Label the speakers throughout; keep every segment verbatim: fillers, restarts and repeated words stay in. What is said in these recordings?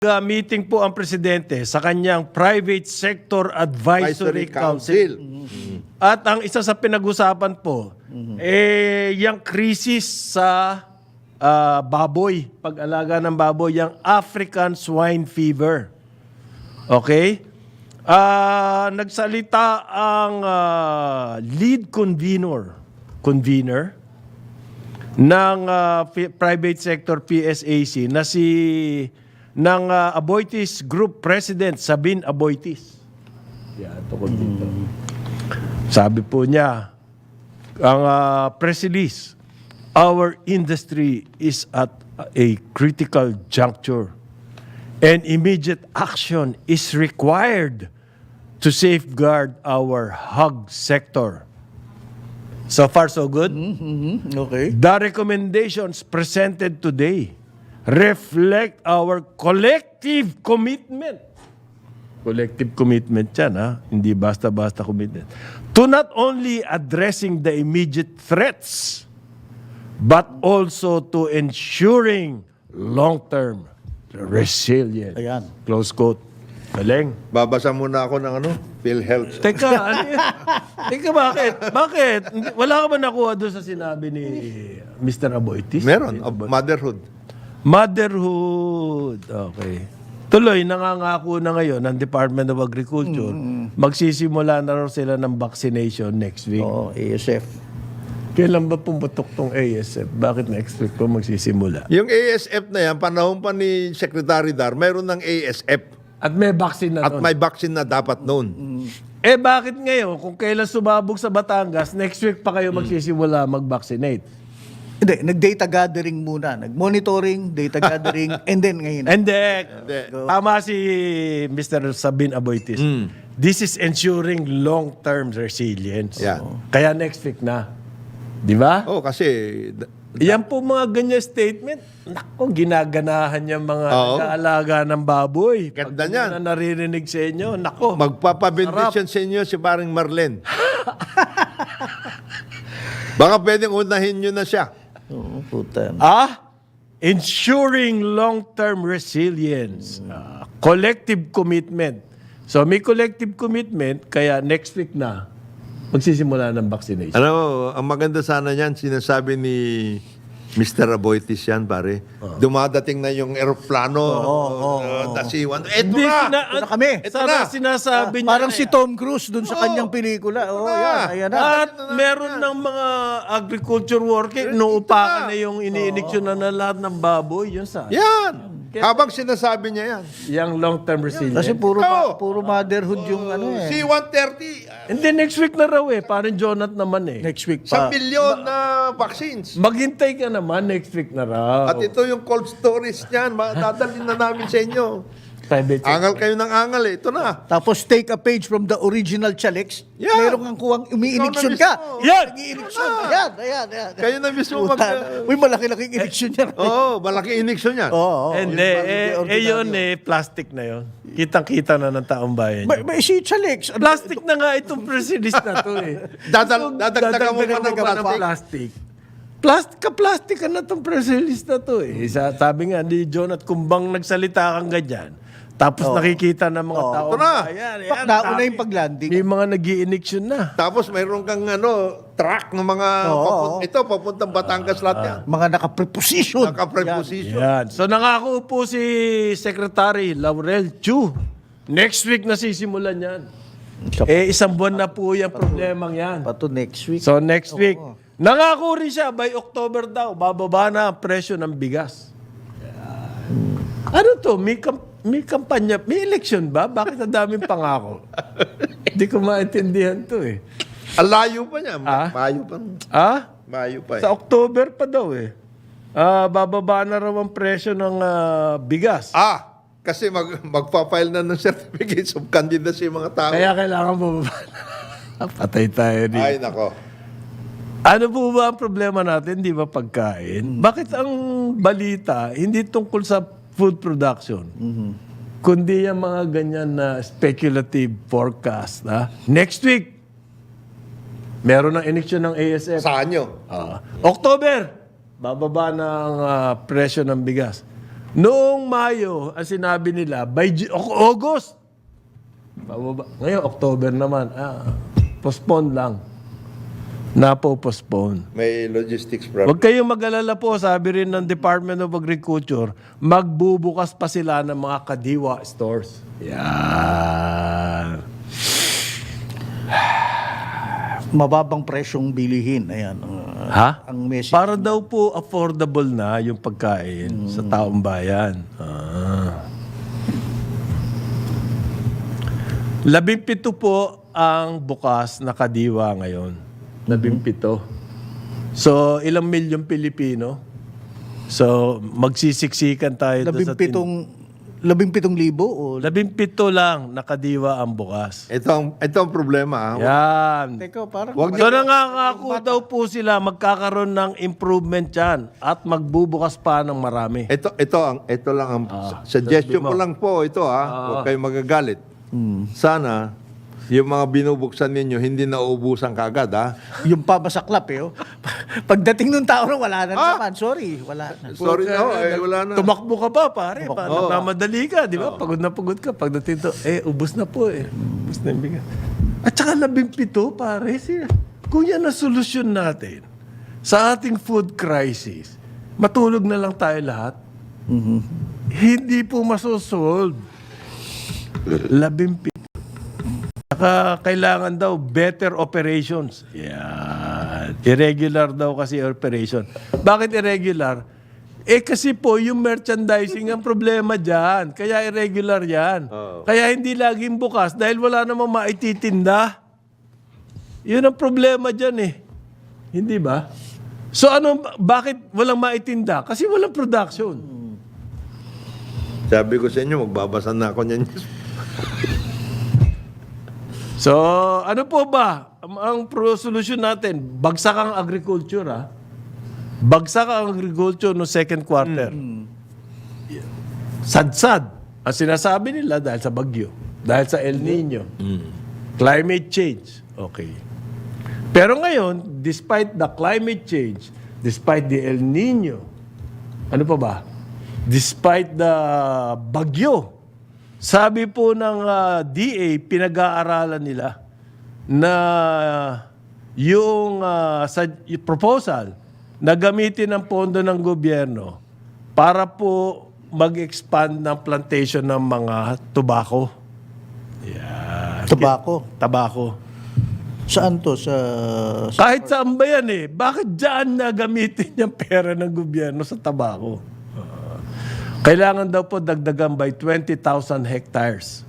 Speaker 1: Uh, meeting po ang presidente sa kanyang Private Sector Advisory,
Speaker 2: Advisory
Speaker 1: Council.
Speaker 2: Council.
Speaker 1: At ang isa sa pinag-usapan po, eh, yung krisis sa ah, baboy, pag-alaga ng baboy, yung African Swine Fever. Okay? Ah, nagsalita ang ah, lead convener, convener ng ah, P- Private Sector P S A C na si ng uh, Aboitiz Group President Sabin Aboitiz. Yan, tukod dito. Sabi po niya, ang uh, press release, our industry is at a critical juncture and immediate action is required to safeguard our hog sector. So far, so good?
Speaker 3: Mm-hmm. Okay.
Speaker 1: The recommendations presented today reflect our collective commitment. Collective commitment yan, ha? Hindi basta-basta commitment. To not only addressing the immediate threats, but also to ensuring long-term resilience.
Speaker 3: Ayan.
Speaker 1: Close quote. Galing.
Speaker 2: Babasa muna ako ng ano, PhilHealth.
Speaker 1: Teka, ano yan? Teka, bakit? Bakit? Hindi- Wala ka ba nakuha doon sa sinabi ni Mister Aboitiz?
Speaker 2: Meron, of motherhood.
Speaker 1: Motherhood. Okay. Tuloy, nangangako na ngayon ng Department of Agriculture, magsisimula na raw sila ng vaccination next week.
Speaker 3: Oo, A S F.
Speaker 1: Kailan ba pumutok tong A S F? Bakit next week pa magsisimula?
Speaker 2: Yung A S F na yan, panahon pa ni Secretary Dar, mayroon ng A S F.
Speaker 1: At may vaccine na
Speaker 2: At
Speaker 1: nun.
Speaker 2: may vaccine na dapat noon.
Speaker 1: Eh bakit ngayon, kung kailan sumabog sa Batangas, next week pa kayo magsisimula mag-vaccinate?
Speaker 3: Hindi, nag-data gathering muna. Nag-monitoring, data gathering, and then ngayon.
Speaker 1: Hindi.
Speaker 2: Hindi.
Speaker 1: Tama si Mister Sabin Aboitiz. This is ensuring long-term resilience.
Speaker 2: Yeah.
Speaker 1: Kaya next week na. Di ba?
Speaker 2: Oh, kasi d-
Speaker 1: Yan po mga ganyan statement. Nako, ginaganahan yung mga
Speaker 2: Oo.
Speaker 1: nag-aalaga ng baboy.
Speaker 2: Ganda
Speaker 1: Pag
Speaker 2: niyan.
Speaker 1: na naririnig sa inyo, nako.
Speaker 2: magpapabendisyon sa inyo si paring Marlen. Baka pwedeng unahin nyo na siya.
Speaker 3: Oo, puta.
Speaker 1: Ah, ensuring long-term resilience. Ah, collective commitment. So may collective commitment, kaya next week na, magsisimula ng vaccination.
Speaker 2: Ano, ang maganda sana niyan, sinasabi ni Mister Aboitiz yan, pare. Dumadating na yung eroplano, uh, dasiwan. Eto
Speaker 1: Hindi,
Speaker 2: na!
Speaker 1: sina-
Speaker 3: Ito na kami.
Speaker 2: Ito
Speaker 1: Sana
Speaker 2: na.
Speaker 1: sinasabi niya.
Speaker 3: Parang
Speaker 1: na
Speaker 3: si
Speaker 1: yan.
Speaker 3: Tom Cruise dun sa
Speaker 2: Oo.
Speaker 3: kanyang pelikula. Oo,
Speaker 2: na.
Speaker 3: yan. Ayan na.
Speaker 1: At meron ng mga agriculture worker, inuupakan na yung iniiniksyon na na lahat ng baboy. Yun sa
Speaker 2: Yan! Habang sinasabi niya yan.
Speaker 1: yung long-term resilience.
Speaker 3: Kasi puro,
Speaker 2: Oo.
Speaker 3: ma- puro motherhood yung ano eh.
Speaker 2: C one thirty,
Speaker 1: And then next week na raw eh. Parang Jonat naman eh.
Speaker 3: Next week
Speaker 2: sa
Speaker 3: pa.
Speaker 2: milyon na vaccines.
Speaker 1: Maghintay ka naman next week na raw.
Speaker 2: At ito yung cold storage niyan, dadalhin na namin sa inyo.
Speaker 1: Private sector.
Speaker 2: Angal kayo ng angal eh. Ito na.
Speaker 3: Tapos take a page from the original Chalex.
Speaker 2: Yeah.
Speaker 3: Meron kang kuwang umiiniksyon
Speaker 2: Ikaw na
Speaker 3: ka.
Speaker 2: mismo.
Speaker 1: Yan!
Speaker 3: Nag-iiniksyon. Ayan, ayan, ayan.
Speaker 2: Kayo na mismo mag...
Speaker 3: Puta. Uy, malaki-laking iniksyon yan.
Speaker 2: Oo, oh, malaki iniksyon yan.
Speaker 3: Oo. oo.
Speaker 1: Hindi,
Speaker 3: Yung
Speaker 1: eh, eh,
Speaker 3: ordinaryo.
Speaker 1: yun eh, plastic na yun. Kitang-kita na ng taong bayan.
Speaker 3: May, may si Chalex. Ano-
Speaker 1: Plastic na nga itong press release na to eh.
Speaker 2: Dadal- dadagdagan mo pa ng
Speaker 1: Dadagdagan mo
Speaker 2: plastic.
Speaker 1: Plastic, ka-plastic ka na itong press release na to eh. Sa, sabi nga ni John at kumbang nagsalita kang ganyan, tapos nakikita ng mga tao.
Speaker 2: Ito na.
Speaker 1: Ayan,
Speaker 3: Pak,
Speaker 1: ayan,
Speaker 3: nauna
Speaker 1: dami.
Speaker 3: yung paglanding.
Speaker 1: May mga nag iniksyon na.
Speaker 2: Tapos mayroon kang ano, truck ng mga...
Speaker 3: Oo.
Speaker 2: papun- ito, papuntang Batangas lahat yan.
Speaker 3: Mga naka-preposition.
Speaker 2: Naka-preposition.
Speaker 1: Yan. So nangako po si Secretary Laurel Chu. Next week na sisimulan yan. Eh, isang buwan na po yung problemang yan.
Speaker 3: Pato next week.
Speaker 1: So next week, nangako rin siya by October daw, bababa na ang presyo ng bigas. Ano to? May, kam- may kampanya, may election ba? Bakit ang daming pangako? Hindi ko maintindihan to eh.
Speaker 2: Ang layo pa niya.
Speaker 1: Ah?
Speaker 2: Mayo pa.
Speaker 1: Ah?
Speaker 2: Mayo pa eh.
Speaker 1: Sa October pa daw eh. Ah, bababa na raw ang presyo ng ah, bigas.
Speaker 2: Ah, kasi mag, magpa-file na ng certificates of candidacy yung mga tao.
Speaker 1: Kaya kailangan bababa na. Patay tayo dito.
Speaker 2: Ay, nako.
Speaker 1: Ano po ba ang problema natin? Di ba pagkain? Bakit ang balita hindi tungkol sa food production? Kundi yung mga ganyan na speculative forecast. Ha? Next week, meron ng eleksyon ng A S F.
Speaker 2: Saan nyo?
Speaker 1: Ah, October, bababa na ang ah, presyo ng bigas. Noong Mayo, ang sinabi nila, by Ju- Au- August. Pababa. Ngayon, October naman. Ah, postpone lang. Napo-postpone.
Speaker 2: May logistics problem.
Speaker 1: Huwag kayong mag-alala po, sabi rin ng Department of Agriculture, magbubukas pa sila ng mga kadiwa stores. Yan.
Speaker 3: Mababang presyong bilihin. Ayan. uh,
Speaker 1: Ha?
Speaker 3: Ang message.
Speaker 1: Para daw po affordable na yung pagkain sa taong bayan. Ah. Labimpito po ang bukas na kadiwa ngayon. Labimpito. So, ilang milyong Pilipino? So, magsisiksikan tayo doon sa tin-
Speaker 3: Labimpitong, labimpitong libo o
Speaker 1: Labimpito lang na kadiwa ang bukas.
Speaker 2: Ito ang, ito ang problema. ah.
Speaker 1: Yan.
Speaker 3: Teka, parang
Speaker 2: Wag
Speaker 1: So nangangako daw po sila magkakaroon ng improvement yan at magbubukas pa ng marami.
Speaker 2: Ito ito ang ito lang ang suggestion ko lang po ito ha. Huwag kayong magagalit. Sana yung mga binubuksan ninyo hindi nauubusan kaagad ha.
Speaker 3: yung pamasaklap eh. Oh. Pagdating nung tao na wala na naman. Sorry, wala na.
Speaker 2: Sorry no, eh, wala na.
Speaker 1: Tumakbo ka pa, pare. Pa, nagmamadali ka, di ba? Pagod na pagod ka. Pagdating to, eh, ubus na po eh. Ubus na yung bigat. At saka labimpito, pare. Siya. Kung yan ang solusyon natin sa ating food crisis, matulog na lang tayo lahat. Hindi po masosolve. Labimpito. Saka kailangan daw better operations. Yan. Irregular daw kasi operation. Bakit irregular? Eh kasi po yung merchandising ang problema dyan. Kaya irregular yan. Kaya hindi laging bukas dahil wala namang maititinda. Yun ang problema dyan eh. Hindi ba? So ano, bakit walang maitinda? Kasi walang production.
Speaker 2: Sabi ko sa inyo, magbabasa na ako niyan.
Speaker 1: So, ano po ba ang, ang pro solution natin? Bagsak ang agriculture, ha? Bagsak ang agriculture no second quarter. Sad-sad. Ang sinasabi nila dahil sa bagyo, dahil sa El Nino, climate change. Okay. Pero ngayon, despite the climate change, despite the El Nino, ano pa ba? Despite the bagyo, sabi po ng uh, D A, pinag-aaralan nila na yung, uh, sa, yung proposal na gamitin ang pondo ng gobyerno para po mag-expand ng plantation ng mga tobacco. Yeah.
Speaker 3: Tobacco.
Speaker 1: Tabako.
Speaker 3: Saan to? Sa, sa
Speaker 1: Kahit saan ba yan eh. Bakit dyan na gamitin yung pera ng gobyerno sa tabako? Kailangan daw po dagdagan by twenty thousand hectares.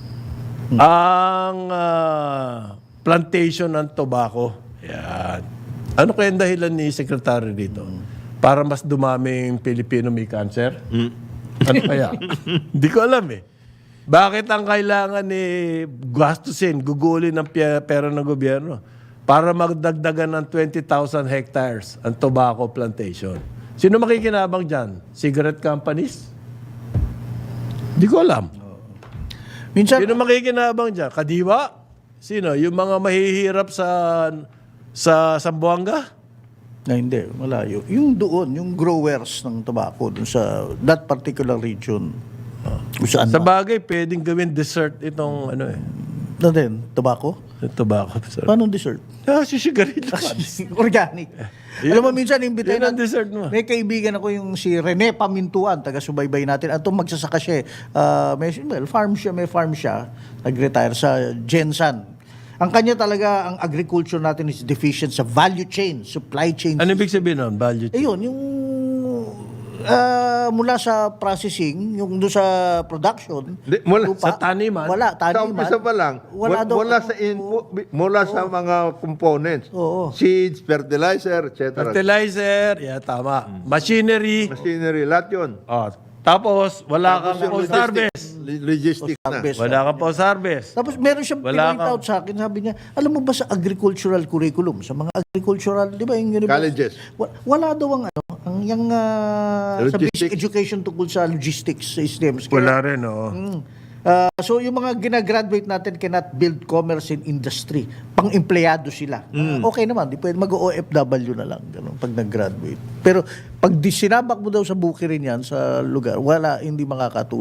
Speaker 1: Ang ah, plantation ng tobacco. Yan. Ano kaya ang dahilan ni Secretary dito? Para mas dumaming Pilipino may cancer? Ano kaya? Hindi ko alam eh. Bakit ang kailangan ni gastusin, gugulin ng pi- pera ng gobyerno? Para magdagdagan ng twenty thousand hectares ang tobacco plantation. Sino makikinabang dyan? Cigarette companies? Hindi ko alam.
Speaker 3: minsan,
Speaker 1: Sino makikinabang dyan? Kadiwa? Sino? Yung mga mahihirap sa sa Zamboanga?
Speaker 3: na hindi, malayo. Yung doon, yung growers ng tobacco doon sa that particular region. Kung saan
Speaker 1: Sa
Speaker 3: ba?
Speaker 1: bagay, pwedeng gawin dessert itong ano eh.
Speaker 3: Na din, tobacco?
Speaker 1: Yung tobacco. Sorry.
Speaker 3: Paano dessert?
Speaker 1: Ah, sisigarilyo.
Speaker 3: Organic. Alam mo, minsan, imbitahin
Speaker 1: Yun ang
Speaker 3: natin-
Speaker 1: dessert mo.
Speaker 3: May kaibigan ako yung si Rene Pamintuan, taga-subaybay natin. At magsasaka siya. eh. Ah, may, well, farm siya, may farm siya. Nag-retire sa Gensan. Ang kanya talaga, ang agriculture natin is deficient sa value chain, supply chain.
Speaker 1: Ano ibig sabihin nun? Value chain?
Speaker 3: Ayun, yung ah, mula sa processing, yung doon sa production,
Speaker 2: Di, mula
Speaker 3: lupa,
Speaker 1: sa taniman?
Speaker 3: Wala,
Speaker 2: Sa
Speaker 3: taniman.
Speaker 2: umpisa pa lang,
Speaker 3: Wala
Speaker 2: wala,
Speaker 3: daw.
Speaker 2: wala sa input, mula sa mga components.
Speaker 3: Oo.
Speaker 2: Seeds, fertilizer, et cetera.
Speaker 1: Fertilizer, yeah, tama. Machinery.
Speaker 2: Machinery, lahat yun.
Speaker 1: Oh, tapos, wala kang
Speaker 2: Yung
Speaker 1: post-harvest.
Speaker 2: logistic- Logistics na.
Speaker 3: Harvest.
Speaker 1: Wala kang post-harvest.
Speaker 3: Tapos meron siyang
Speaker 1: Wala
Speaker 3: pinpoint
Speaker 1: kang-
Speaker 3: out sa akin, sabi niya, alam mo ba sa agricultural curriculum, sa mga agricultural, di ba yung university?
Speaker 2: Colleges.
Speaker 3: Wa- Wala daw ang ano, ang yung ah, sa basic
Speaker 2: Logistics.
Speaker 3: education tungkol sa logistics systems. Kaya,
Speaker 1: Wala rin, oo.
Speaker 3: Mm. Uh, so yung mga ginagraduate natin cannot build commerce in industry. Pang-empleyado sila. Uh, okay naman, di pwede mag-O F W na lang ganun, pag nag-graduate. Pero pag di sinabak mo daw sa bukirin yan, sa lugar, wala, hindi makakatulong.